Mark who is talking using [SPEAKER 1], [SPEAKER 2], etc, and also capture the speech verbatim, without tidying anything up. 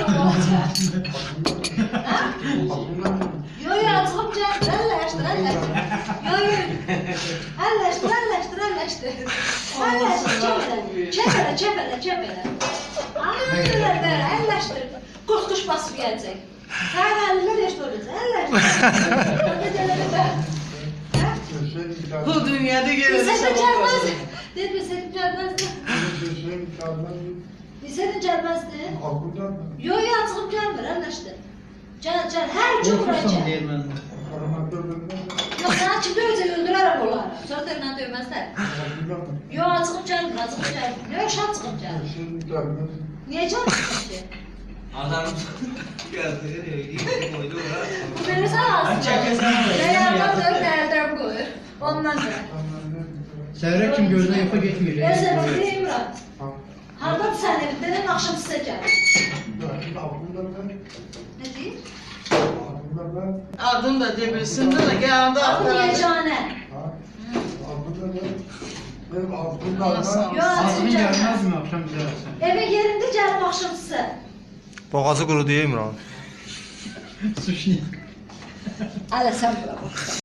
[SPEAKER 1] Yo yo çıkıp gel. Elleştir elleştir. Yo yo. Elleştir elleştir elleştir. Elleştir çevele. Çevele çevele çevele. Aynen böyle elleştir. Kuş kuş basıp gelecek. Sen eller eşit olacak. Elleştir.
[SPEAKER 2] Bu dünyada gelirse
[SPEAKER 1] Senin gelmez. Değil mi senin gelmezdi? Senin gelmezdi. Yo yo çıkıp gelmir elleştir. Gel gel her gün buraya gel. Yok sana kim dövecek öldürer onları. Sonra tırnağı dövmezler. Yok çıkıp gelmir çıkıp gelmir. Yok şart çıkıp gelmir. Niye can çıkıp gelmir?
[SPEAKER 3] Adam geldi, iyi koydu oraya.
[SPEAKER 1] Bu beni sana aslında. Reyhan'dan dövüp nereden koyur. Ondan da.
[SPEAKER 4] Səhərə kim gözünə yuxa getmir.
[SPEAKER 1] Ben sana bir diyeyim Murat. Hardan sen evinden akşam size gel. Ne diyeyim?
[SPEAKER 2] Adım da debilsin de geldi.
[SPEAKER 1] Adı Yecane. Yok
[SPEAKER 4] Azğın
[SPEAKER 1] çıkacağım.
[SPEAKER 4] gəlməzmi axşam bizə versən?
[SPEAKER 1] Eve yerinde gel akşam size.
[SPEAKER 5] Boğazı qurudu İmran.
[SPEAKER 4] Suç niyə?
[SPEAKER 1] Hala sen bırak.